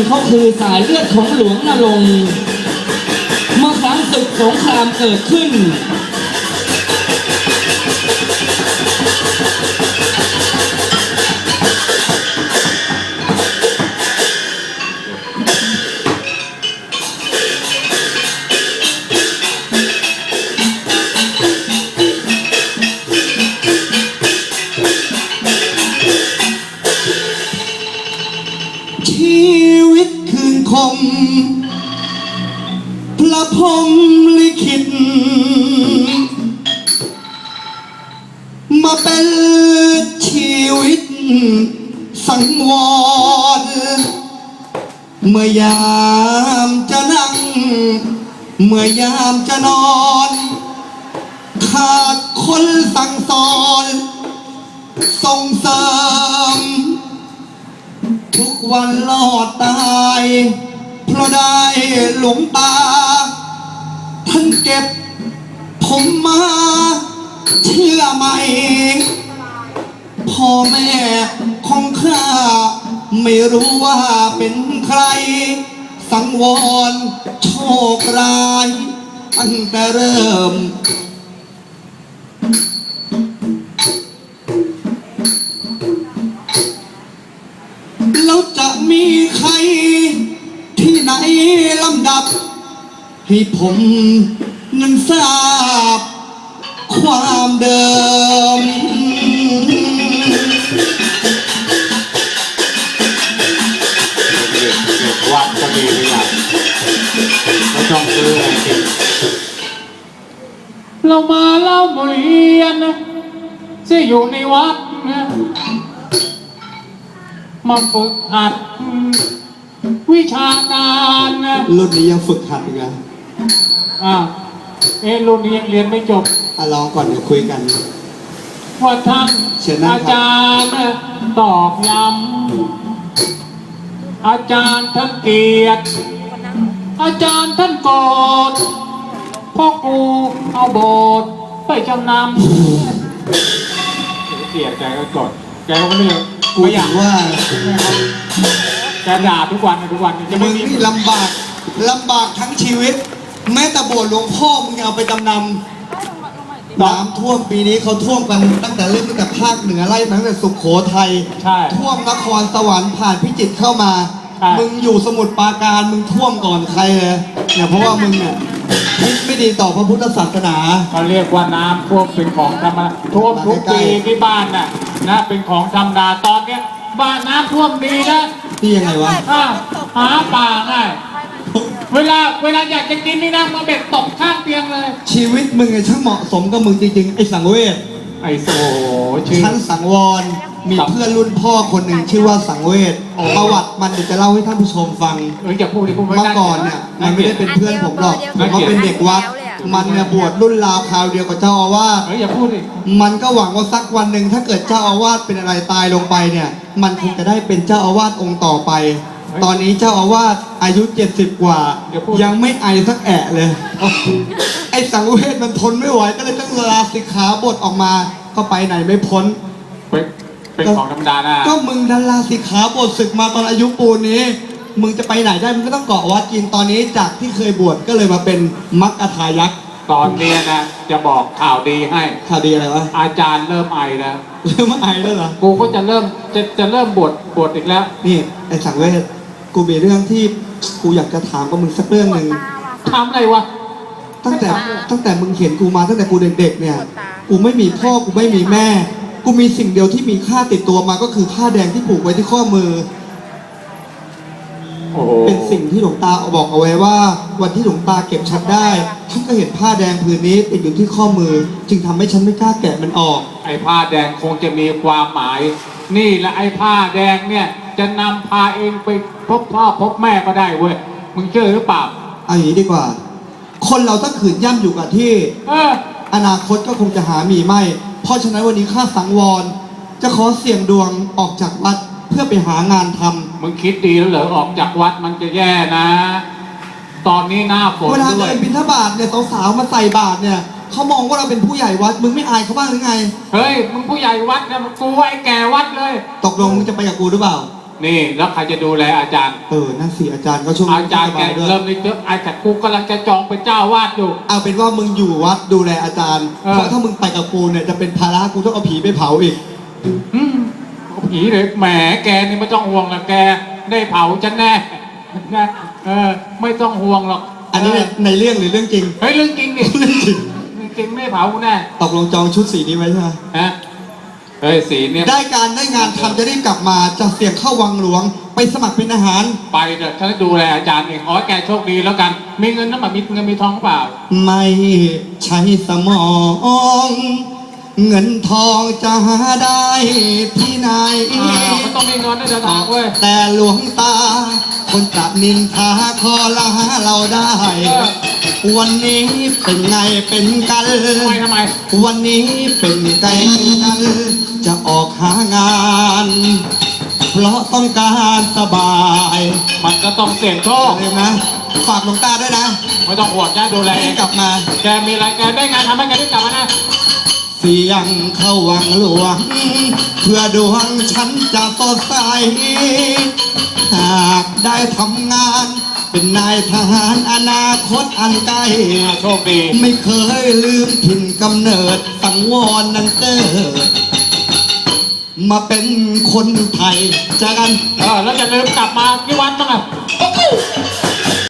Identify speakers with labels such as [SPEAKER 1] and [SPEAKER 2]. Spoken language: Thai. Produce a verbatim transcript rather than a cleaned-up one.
[SPEAKER 1] เขาคือสายเลือดของหลวงนรงค์เมื่อครั้งศึกสงครามเกิดขึ้น
[SPEAKER 2] ชีวิตคืนคมพระพรหมลิขิตมาเป็นชีวิตสังวรเมื่อยามจะนั่งเมื่อยามจะนอนขาดคนสั่งสอนส่งเสริมทุกวันรอดตายเพราะได้หลวงตาท่านเก็บผมมาเชื่อไหมพ่อแม่ของข้าไม่รู้ว่าเป็นใครสังวรโชคร้ายตั้งแต่เริ่มแล้วจะมีใครที่ไหนลำดับให้ผมนั้นทราบความเดิม
[SPEAKER 3] วัดก็มีไม่ยากไม่ต้องซื้ออะไรกินเรามาเล่าเรียนนะที่อยู่ในวัดนะมาฝึกหัดวิชาการนะ
[SPEAKER 2] รุ่นนี้ยังฝึกหัดอีกอ่ะ
[SPEAKER 3] อ่าเอรุ่นนี้ยังเรียนไม่จบ
[SPEAKER 2] อ่ะลองก่อนเดี๋ยวคุยกัน
[SPEAKER 3] ว่าท่านอาจารย์ตอกย้ำอาจารย์ท่านเกลียดอาจารย์ท่านโกรธพ่อกูเอาโบสถ์ไปจำนำเกลียดแกก็โกรธแกก็เลือก
[SPEAKER 2] กูอยากว่า
[SPEAKER 3] แกด่าทุกวันทุกวันจะไม่
[SPEAKER 2] นี่ลำบากลำบากทั้งชีวิตแม้แต่โบสถ์หลวงพ่อมึงเอาไปจำนำน้ำท่วมปีนี้เขาท่วมกันตั้งแต่เริ่มตั้งแต่ภาคเหนือไล่มาตั้งแต่สุโขทัยท่วมนครสวรรค์ผ่านพิจิตรเข้ามามึงอยู่สมุทรปราการมึงท่วมก่อนใครเลยเนี่ยเพราะว่ามึงเนี่ยไม่ดีต่อพระพุทธศาสนา
[SPEAKER 3] เขาเรียกว่าน้ำท่วมเป็นของธรรมดาท่วมทุกปีที่บ้านน่ะนะเป็นของธรรมดาตอนเนี้ยบ้านน้ำท่วมดีนะ
[SPEAKER 2] ที่ยังไงวะ
[SPEAKER 3] หาป่าง่ายเวลาเวลาอยากจะกินนี่นะมาเบ็ดตกข้างเตียงเลย
[SPEAKER 2] ชีวิตมึงไงช่างเหมาะสมกับมึงจริงๆไอ้สังเวช
[SPEAKER 3] ไอ้โซ่ชื่อ
[SPEAKER 2] ฉันสังวรมีเพื่อนรุ่นพ่อคนหนึ่งชื่อว่าสังเวชประวัติมันเดี๋ยวจะเล่าให้ท่านผู้ชมฟัง
[SPEAKER 3] เออจะพูดดิพูดไม่
[SPEAKER 2] ได้เมื่อก่อนเนี่ยมันไม่ได้เป็นเพื่อนผมหรอกมันเป็นเด็กวัดมันเนี่ยบวชรุ่นราวคราวเดียวกับเจ้าอาวาส
[SPEAKER 3] เอออย่าพูดดิ
[SPEAKER 2] มันก็หวังว่าสักวันหนึ่งถ้าเกิดเจ้าอาวาสเป็นอะไรตายลงไปเนี่ยมันคงจะได้เป็นเจ้าอาวาสองค์ต่อไปตอนนี้เจ้าอาวาสอายุเจ็ดสิบกว่ายังไม่ไอสักแอะเลยไอ้สังเวชมันทนไม่ไหวก็เลยต้องลาสิกขาบทออกมาก็ไปไหนไม่พ้น
[SPEAKER 3] เป็นของธรรมดานะ
[SPEAKER 2] ก็มึงดันลาสิกขาบทศึกมาตอนอายุปูนนี้มึงจะไปไหนได้มึงก็ต้องเกาะวัดกินตอนนี้จากที่เคยบวชก็เลยมาเป็นมัคคทายักษ์
[SPEAKER 3] ตอนนี้นะจะบอกข่าวดีให้
[SPEAKER 2] ข่าวดีอะไรวะ
[SPEAKER 3] อาจารย์เริ่มไอแล้ว
[SPEAKER 2] เริ่มไอแล้วเหรอ
[SPEAKER 3] กูก็จะเริ่มจะจะเริ่มบวชบวชอีกแล้ว
[SPEAKER 2] นี่ไอ้สังเวชกูมีเรื่องที่กูอยากจะถามกับมึงสักเรื่องหนึ่ง
[SPEAKER 3] ถามอะไรวะ
[SPEAKER 2] ตั้งแต่ตั้งแต่มึงเห็นกูมาตั้งแต่กูเด็กๆเนี่ยกูไม่มีพ่อกูไม่มีแม่กูมีสิ่งเดียวที่มีค่าติดตัวมาก็คือผ้าแดงที่ผูกไว้ที่ข้อมือเป็นสิ่งที่หลวงตาบอกเอาไว้ว่าวันที่หลวงตาเก็บฉันได้ท่านก็เห็นผ้าแดงผืนนี้ติดอยู่ที่ข้อมือจึงทำให้ฉันไม่กล้าแกะมันออก
[SPEAKER 3] ไอ้ผ้าแดงคงจะมีความหมายนี่และไอ้ผ้าแดงเนี่ยจะนำพาเองไปพบพ่อพบแม่ก็ได้เว้ยมึงเชื่อหรือเปล่า
[SPEAKER 2] เอาอย่างนี้ดีกว่าคนเราถ้าขืนย่ำอยู่กับที่อนาคตก็คงจะหามีไม่เพราะฉะนั้นวันนี้ข้าสังวรจะขอเสี่ยงดวงออกจากวัดเพื่อไปหางานทำ
[SPEAKER 3] มึงคิดดีแล้วเหรอออกจากวัดมันจะแย่นะตอนนี้หน้าฝน
[SPEAKER 2] เวลาเดินบิณฑบาตเนี่ยสาวๆมาใส่บาตรเนี่ยเขามองว่าเราเป็นผู้ใหญ่วัดมึงไม่อายเขาบ้างหรือไง
[SPEAKER 3] เฮ้ยมึงผู้ใหญ่วัดนะกูไอ้แก่วัดเลย
[SPEAKER 2] ตกลงมึงจะไปกับกูหรือเปล่า
[SPEAKER 3] นี่แล้วใครจะดูแลอาจารย์
[SPEAKER 2] เออนั่นสิอาจารย์ก็ช่วง
[SPEAKER 3] อาจารย์แก
[SPEAKER 2] สบด้วย
[SPEAKER 3] เริ่มเลยเจออาจารย์กูกำลังจะจองเป็นเจ้าวาดอยู่
[SPEAKER 2] เอาเป็นว่ามึงอยู่วัดดูแลอาจารย์
[SPEAKER 3] เออ
[SPEAKER 2] เพราะถ้ามึงไปกับกูเนี่ยจะเป็นภาระกูต้องเอาผีไปเผาอีก
[SPEAKER 3] อืมเอาผีเลยแหมแกนี่ไม่ต้องห่วงหรอกแกได้เผาฉันแน่นะเออไม่ต้องห่วงหรอก
[SPEAKER 2] อันนี้ในในเรื่องหรือเรื่องจริง
[SPEAKER 3] เฮ้ยเรื่องจริงดิ
[SPEAKER 2] เรื่องจริง
[SPEAKER 3] เรื่องจริงไม่เผาแน่
[SPEAKER 2] ตกลงจองชุดสีนี้ไว้ใช่ไหม
[SPEAKER 3] ฮะเฮ้ยสีเนี่ย
[SPEAKER 2] ได้การได้งานทำจะรีบกลับมาจะเสี่ยงเข้าวังหลวง ไปสมัครเป็นอาหาร
[SPEAKER 3] ไปเถอะฉันจะดูแลอาจารย์เองขอให้แกโชคดีแล้วกัน มีเงินน้ำมันมีเงินมีทองเปล่า
[SPEAKER 2] ไม่ใช้สมอง เงินทองจะหาได้ที่ไหน
[SPEAKER 3] อ่ามันต้องมีเงินได้เดินทางเว้ย
[SPEAKER 2] แต่หลวงตา คนจะนินทาคอละหาเราได้
[SPEAKER 3] เออ
[SPEAKER 2] วันนี้เป็นไงเป็นกัน
[SPEAKER 3] ทำไมทำไม
[SPEAKER 2] วันนี้เป็นไงเป็นกัน จะออกหางาน เพราะต้องการสบาย
[SPEAKER 3] มันก็ต้องเสี่ยงโชค
[SPEAKER 2] เลยนะฝากหลวงตาด้วยนะ
[SPEAKER 3] ไม่ต้องห่วงจ้าดูแลเอ
[SPEAKER 2] ให้
[SPEAKER 3] ง
[SPEAKER 2] กลับมา
[SPEAKER 3] แกมีอะไรแกได้งานทำให้แกได้กลับมานะ
[SPEAKER 2] เสียงเข้าวังหลวง เพื่อดวงฉันจะสดใส หากได้ทำงาน เป็นนายทหารอนาคตอันไกล
[SPEAKER 3] โชคดี
[SPEAKER 2] ไม่เคยลืมถิ่นกำเนิดสังวรนั้นเกิด มาเป็นคนไทยเจอกัน
[SPEAKER 3] เออแล้วจะลืมกลับมาที่วัดบ้างอ่ะ
[SPEAKER 2] เอ